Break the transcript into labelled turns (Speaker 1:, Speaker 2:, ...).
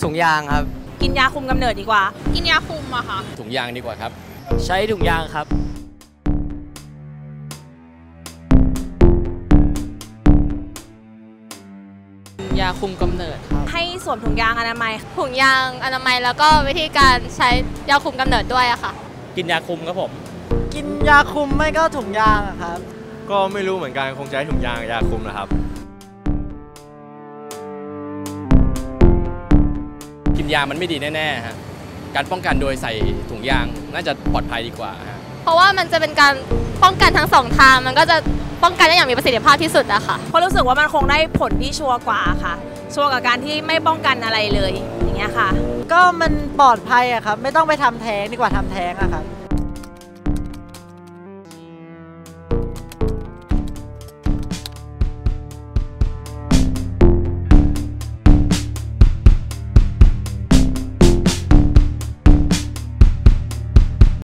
Speaker 1: ถุงยางครับ
Speaker 2: กินยาคุมกำเนิดดีกว่า
Speaker 3: กินยาคุมอะค่ะ
Speaker 4: ถุงยางดีกว่าครับ
Speaker 1: ใช้ถุงยางครับ
Speaker 5: ยาคุมกำเนิดครับ
Speaker 2: ให้สวมถุงยางอนามัย
Speaker 3: ถุงยางอนามัยแล้วก็วิธีการใช้ยาคุมกำเนิดด้วยอะค่ะ
Speaker 4: กินยาคุมครับผม
Speaker 1: กินยาคุมไม่ก็ถุงยางครับ
Speaker 4: ก็ไม่รู้เหมือนกันคงใช้ถุงยางยาคุมนะครับกินยามันไม่ดีแน่ๆฮะการป้องกันโดยใส่ถุงยางน่าจะปลอดภัยดีกว่าฮะ
Speaker 3: เพราะว่ามันจะเป็นการป้องกันทั้งสองทางมันก็จะป้องกันได้อย่างมีประสิทธิภาพที่สุดอะค่ะ
Speaker 2: เพราะรู้สึกว่ามันคงได้ผลที่ชัวร์กว่าค่ะชัวร์กับการที่ไม่ป้องกันอะไรเลยอย่างเงี้ยค่ะ
Speaker 1: ก็มันปลอดภัยอะครับไม่ต้องไปทำแท้งดีกว่าทำแท้งอะครับ